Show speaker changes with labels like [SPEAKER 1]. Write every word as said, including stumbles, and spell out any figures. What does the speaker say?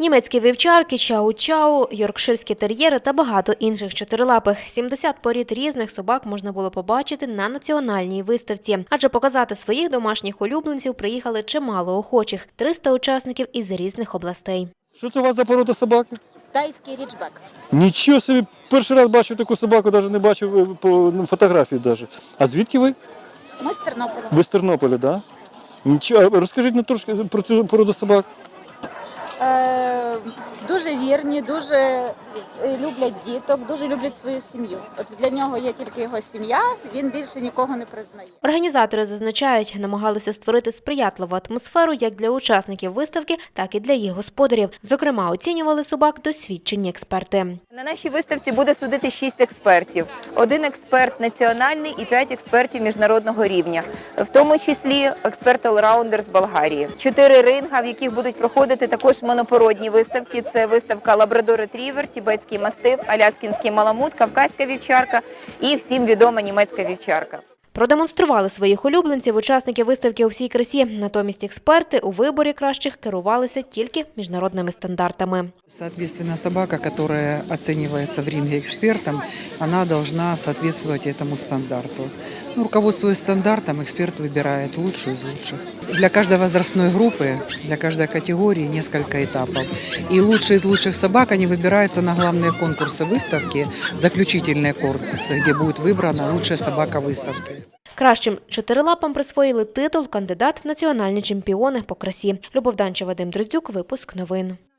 [SPEAKER 1] Німецькі вівчарки, чау-чау, йоркширські тер'єри та багато інших чотирилапих. сімдесят порід різних собак можна було побачити на національній виставці. Адже показати своїх домашніх улюбленців приїхали чимало охочих – триста учасників із різних областей.
[SPEAKER 2] Що це у вас за порода собаки?
[SPEAKER 3] Тайський річбек.
[SPEAKER 2] Нічого собі, перший раз бачив таку собаку, навіть не бачив по фотографії. Навіть. А звідки ви?
[SPEAKER 3] Ми з Тернополя.
[SPEAKER 2] Ви з Тернополя, так? Да? Нічого. Розкажіть нам трошки про цю породу собак.
[SPEAKER 3] Е, дуже вірні, дуже е, люблять діток, дуже люблять свою сім'ю. От для нього є тільки його сім'я, він більше нікого не признає.
[SPEAKER 1] Організатори зазначають, намагалися створити сприятливу атмосферу як для учасників виставки, так і для їх господарів. Зокрема, оцінювали собак досвідчені експерти.
[SPEAKER 4] На нашій виставці буде судити шість експертів. Один експерт національний і п'ять експертів міжнародного рівня, в тому числі експерт-олраундер з Болгарії. Чотири ринга, в яких будуть проходити також монопородні виставки. Це виставка лабрадор-ретрівер, тібетський мастиф, аляскінський маламут, кавказька вівчарка і всім відома німецька вівчарка.
[SPEAKER 1] Продемонстрували своїх улюбленців учасники виставки у всій красі. Натомість експерти у виборі кращих керувалися тільки міжнародними стандартами.
[SPEAKER 5] Соответственно, собака, которая оценивается в ринге экспертом, она должна соответствовать этому стандарту. Ну, руководствуясь стандартом, эксперт выбирает лучшую из лучших. Для каждой возрастной группы, для каждой категории несколько этапов. И лучшие из лучших собак, они выбираются на главные конкурсы выставки, заключительные конкурсы, где будет выбрана лучшая собака выставки.
[SPEAKER 1] Кращим чотирилапам присвоїли титул «Кандидат в національні чемпіони по красі». Любов Данча, Вадим Дроздюк, випуск новин.